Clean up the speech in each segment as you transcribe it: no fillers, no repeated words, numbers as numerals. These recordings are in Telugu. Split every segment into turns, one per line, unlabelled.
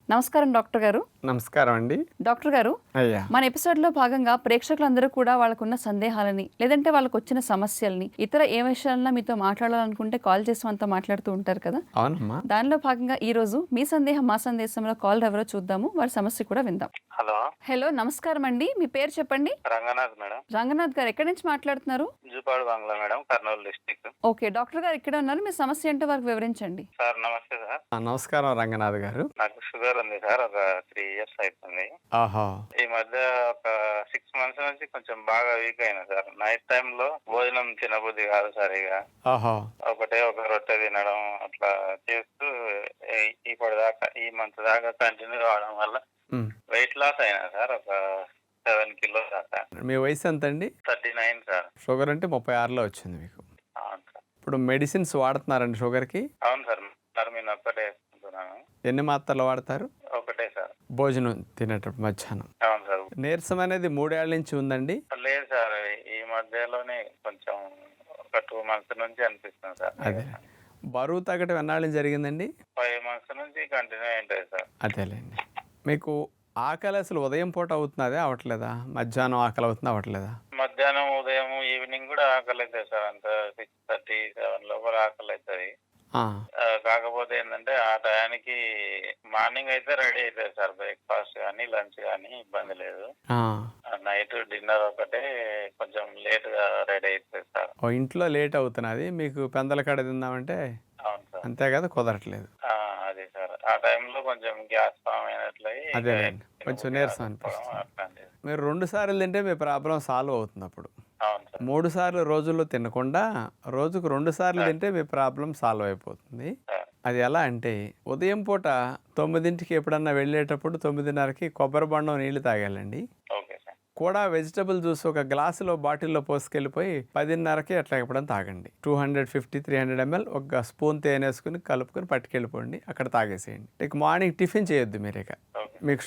నమస్కారం డాక్టర్ గారు.
నమస్కారం అండి.
డాక్టర్ గారు,
అయ్యా,
మన ఎపిసోడ్లో భాగంగా ప్రేక్షకులందరూ కూడా వాళ్ళకున్న సందేహాలని లేదంటే వాళ్ళకు వచ్చిన సమస్యల్ని ఇతర ఏ విషయాలన్నా మీతో మాట్లాడాలనుకుంటే కాల్ చేసి మనతో మాట్లాడుతూ ఉంటారు కదా.
అవునమ్మా.
దానిలో భాగంగా ఈ రోజు మీ సందేహం మా సందేశంలో కాల్ ఎవరో చూద్దాము, వారి సమస్య కూడా విందాం.
హలో
హలో, నమస్కారం అండి. మీ పేరు చెప్పండి.
రంగనాథ్ మేడం,
రంగనాథ్ గారు ఎక్కడి నుంచి మాట్లాడుతున్నారు?
Jupadu Bungalow madam, Kurnool district.
Okay, doctor గారు ఇక్కడ ఉన్నారు. మీ సమస్య ఏంటో వారికి వివరించండి.
సార్ నమస్తే సార్.
నమస్కారం రంగనాథ్ గారు.
నాకు షుగర్ ఉంది సార్, ఒక 3 years అవుతుంది.
ఆహా,
ఈ మధ్య ఒక 6 months నుంచి కొంచెం బాగా వీక్ అయినా సార్. నైట్ టైమ్ లో భోజనం తినబుద్ధి కాదు సార్. ఇక
ఆహా,
ఒక రొట్టె తినడం అట్లా చేస్తూ ఇప్పటిదాకా ఈ మంత్ దాకా కంటిన్యూ కావడం వల్ల వెయిట్ లాస్ అయినా సార్, ఒక 7 kilos దాకా.
మీ వయసు ఎంత అండి?
39 సార్.
షుగర్ అంటే 36లో వచ్చింది మీకు.
అవును సార్.
ఇప్పుడు మెడిసిన్స్ వాడుతున్నారండి షుగర్కి?
అవును సార్, నేను ఒక్కటే వేసుకుంటున్నాను.
ఎన్ని మాత్రలు వాడతారు?
ఒకటే సార్.
భోజనం తినేటప్పుడు మధ్యాహ్నం.
అవును సార్.
నీరసం అనేది 3 ఏళ్ల నుంచి ఉందండి?
లేదు సార్, ఈ మధ్యలోనే కొంచెం ఒక 2 months నుంచి అనిపిస్తుంది సార్.
అదే, బరువు తగ్గటం ఎన్నాళ్ళ నుంచి జరిగిందండి?
5 months నుంచి కంటిన్యూ అయింటుంది సార్.
అదేలేండి. మీకు ఆకలి అసలు ఉదయం పూట అవుతున్నదే అవట్లేదా? మధ్యాహ్నం ఆకలి అవుతుందా అవట్లేదా?
మధ్యాహ్నం, ఉదయం, ఈవినింగ్ కూడా ఆకలి అవుతుంది సార్. అంత 6:30, 7 లోపల ఆకలి అవుతుంది. కాకపోతే ఏంటంటే ఆ టయానికి మార్నింగ్ అయితే రెడీ అవుతుంది సార్, బ్రేక్ఫాస్ట్ కానీ లంచ్ కానీ ఇబ్బంది లేదు. నైట్ డిన్నర్ ఒకటే కొంచెం లేట్ గా రెడీ అవుతుంది సార్.
ఇంట్లో లేట్ అవుతున్నది, మీకు పెందల కాడ తిందామంటే
అవును సార్.
అంతే కదా, కుదరట్లేదు.
అదే సార్, ఆ టైంలో కొంచెం గ్యాస్ ఫామ్ అయినట్లయి,
అదేలేండి, కొంచెం నీరసం అనిపిస్తుంది. మీరు 2 సార్లు తింటే మీ ప్రాబ్లం సాల్వ్ అవుతుంది. అప్పుడు 3 సార్లు రోజుల్లో తినకుండా రోజుకు 2 సార్లు తింటే మీ ప్రాబ్లం సాల్వ్ అయిపోతుంది. అది ఎలా అంటే, ఉదయం పూట 9ంటికి ఎప్పుడన్నా వెళ్ళేటప్పుడు 9:30కి కొబ్బరి బొండం నీళ్లు తాగాలండి. కూడా వెజిటబుల్ జ్యూస్ ఒక గ్లాసులో బాటిల్లో పోసుకెళ్ళిపోయి 10:30కి అట్లా ఎప్పుడన్నా తాగండి. 250-300 ml ఒక స్పూన్ తేనె వేసుకుని కలుపుకొని పట్టుకెళ్ళిపోండి, అక్కడ తాగేసేయండి. ఇక మార్నింగ్ టిఫిన్ చేయొద్దు మీరు. ఇక మీకు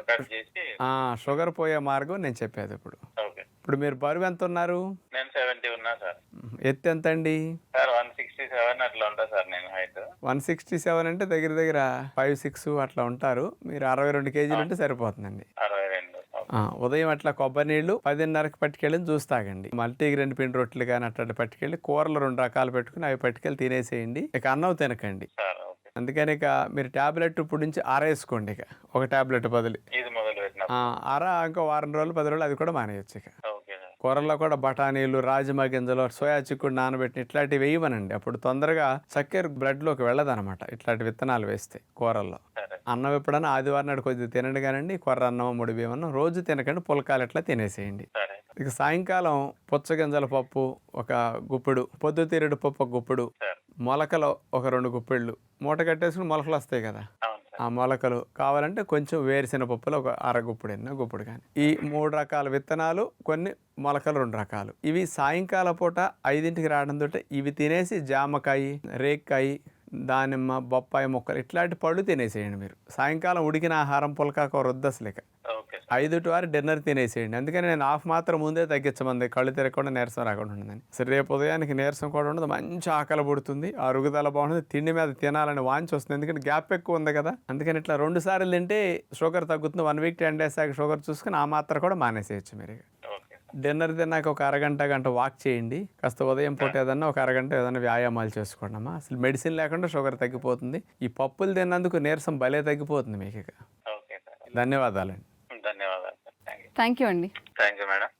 షుగర్ పోయే మార్గం నేను చెప్పేది. ఇప్పుడు మీరు బరువు ఎంత ఉన్నారు?
నేను 70 ఉన్నా సార్.
ఎత్తు ఎంత అండి?
సార్ 167 అట్లా ఉంటా సార్ నేను హైట్.
167 అంటే దగ్గర దగ్గర 5'6" అట్లా ఉంటారు. మీరు 62 kg ఉంటే సరిపోతుందండి.
62.
ఉదయం అట్లా కొబ్బరి నీళ్లు 10:30కి పట్టుకెళ్ళి జ్యూస్ తాగండి. మల్టీగ్రెయిన్ పిండి రొట్టెలు కానీ అట్లా పట్టుకెళ్ళి, కూరలు 2 రకాలు పెట్టుకుని అవి పట్టుకెళ్ళి తినేసేయండి. ఇక అన్నం తినకండి. అందుకని ఇక మీరు టాబ్లెట్ ఇప్పుడు నుంచి ఆరేసుకోండి. ఇక ఒక టాబ్లెట్ బదులు ఇంకో వారం రోజులు 10 రోజులు అది కూడా మానేయచ్చు. ఇక కూరల్లో కూడా బఠానీలు, రాజమా గింజలు, సోయా చిక్కుడు నానబెట్టిన ఇట్లాంటివి వేయమనండి. అప్పుడు తొందరగా చక్కెర బ్లడ్లోకి వెళ్ళదనమాట ఇట్లాంటి విత్తనాలు వేస్తే కూరల్లో. అన్నం ఎప్పుడన్నా ఆదివారం నాడు కొద్దిగా తినండి కానండి. కొర్ర అన్నం, ముడి బియ్యం అన్నం రోజు తినకండి, పుల్కాలు ఎట్లా తినేసేయండి. ఇక సాయంకాలం పుచ్చగింజల పప్పు ఒక గుప్పెడు, పొద్దుతిరుగుడు పప్పు ఒక గుప్పెడు, మొలకలు ఒక 2 గుప్పెళ్ళు మూట కట్టేసుకుని మొలకలు వస్తాయి కదా, ఆ మొలకలు కావాలంటే కొంచెం వేరుశెనగ పప్పులు ఒక గుప్పుడు కానీ, ఈ 3 రకాల విత్తనాలు, కొన్ని మొలకలు 2 రకాలు, ఇవి సాయంకాలం పూట 5ంటికి రావడంతో ఇవి తినేసి జామకాయ, రేక్కాయ, దానిమ్మ, బొప్పాయి మొక్కలు ఇట్లాంటి పళ్ళు తినేసేయండి. మీరు సాయంకాలం ఉడికిన ఆహారం పుల్కాక వృద్ధస్లేక 5 to 6 డిన్నర్ తినేసేయండి. అందుకని నేను హాఫ్ మాత్రం ముందే తగ్గించమంది, కళ్ళు తిరగకుండా నీరసం రాకుండా ఉంటుందని. సరే, రేపు ఉదయానికి నీరసం కూడా ఉండదు, మంచి ఆకలి పుడుతుంది, అరుగుదల బాగుంటుంది, తిండి మీద తినాలని వాంచి వస్తుంది. ఎందుకంటే గ్యాప్ ఎక్కువ ఉంది కదా. అందుకని ఇట్లా 2 సార్లు తింటే షుగర్ తగ్గుతుంది. 1 week 10 days ఆగి షుగర్ చూసుకుని ఆ మాత్రం కూడా మానేసేయచ్చు మీరు. డిన్నర్ తిన్నాక ఒక గంట వాక్ చేయండి. కాస్త ఉదయం పూట ఏదన్నా ఒక అరగంట ఏదైనా వ్యాయామాలు చేసుకోండి అమ్మా. అసలు మెడిసిన్ లేకుండా షుగర్ తగ్గిపోతుంది. ఈ పప్పులు తిన్నందుకు నీరసం భలే తగ్గిపోతుంది మీకు. ధన్యవాదాలండి.
ధన్యవాదాలు.
థ్యాంక్ యూ అండి.
Thank you madam.